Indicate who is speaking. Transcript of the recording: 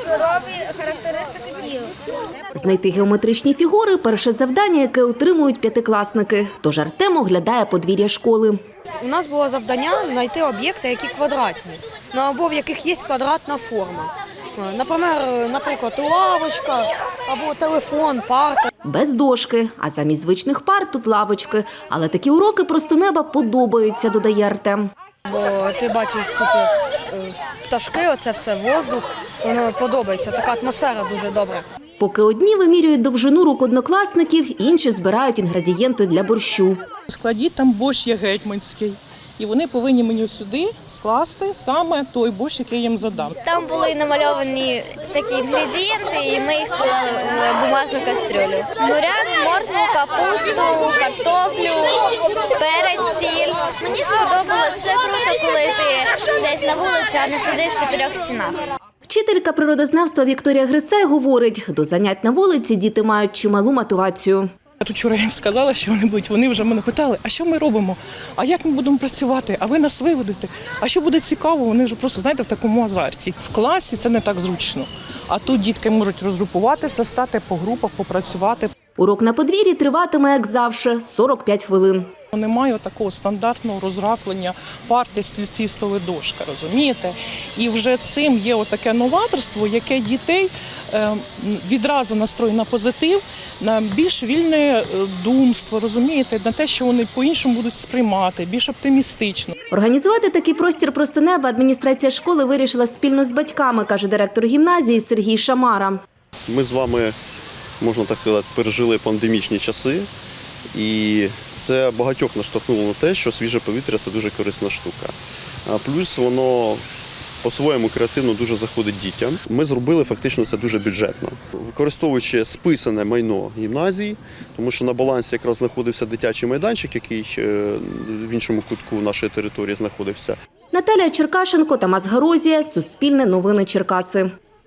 Speaker 1: кольорові характеристики тіла.
Speaker 2: Знайти геометричні фігури – перше завдання, яке отримують п'ятикласники. Тож Артем оглядає подвір'я школи.
Speaker 3: У нас було завдання знайти об'єкти, які квадратні, або в яких є квадратна форма. Наприклад, лавочка або телефон, парта.
Speaker 2: Без дошки, а замість звичних пар тут лавочки. Але такі уроки просто неба подобаються, додає Артем.
Speaker 3: Бо ти бачиш тут пташки, оце все, воздух, воно подобається, така атмосфера дуже добра.
Speaker 2: Поки одні вимірюють довжину рук однокласників, інші збирають інгредієнти для борщу.
Speaker 4: У складі там борщ є гетьманський. І вони повинні мені сюди скласти саме той борщ, який я їм задам.
Speaker 1: Там були намальовані всякі інгредієнти, і ми їх склали в бумажну кастрюлю. Буряк, моркву, капусту, картоплю, перець, сіль. Мені сподобалось, це круто, коли ти десь на вулиці, а не сидиш в чотирьох стінах.
Speaker 2: Вчителька природознавства Вікторія Грицай говорить, до занять на вулиці діти мають чималу мотивацію.
Speaker 4: Я тут вчора їм сказала, що вони будуть. Вони вже мене питали, а що ми робимо? А як ми будемо працювати? А ви нас виведете? А що буде цікаво? Вони вже просто, знаєте, в такому азарті. В класі це не так зручно. А тут дітки можуть розгрупуватися, стати по групах, попрацювати.
Speaker 2: Урок на подвір'ї триватиме, як завжди, 45 хвилин.
Speaker 4: Немає такого стандартного розрафлення парти, стільці, столи, дошка, розумієте? І вже цим є отаке новаторство, яке дітей відразу настроює на позитив, на більш вільне думство, розумієте, на те, що вони по-іншому будуть сприймати, більш оптимістично.
Speaker 2: Організувати такий простір «Просто неба» адміністрація школи вирішила спільно з батьками, каже директор гімназії Сергій Шамара.
Speaker 5: Ми з вами, можна так сказати, пережили пандемічні часи. І це багатьох наштовхнуло на те, що свіже повітря – це дуже корисна штука. Плюс воно по-своєму креативно дуже заходить дітям. Ми зробили фактично це дуже бюджетно, використовуючи списане майно гімназії, тому що на балансі якраз знаходився дитячий майданчик, який в іншому кутку нашої території знаходився.
Speaker 2: Наталія Черкашенко, Тамас Гарозія, Суспільне новини Черкаси.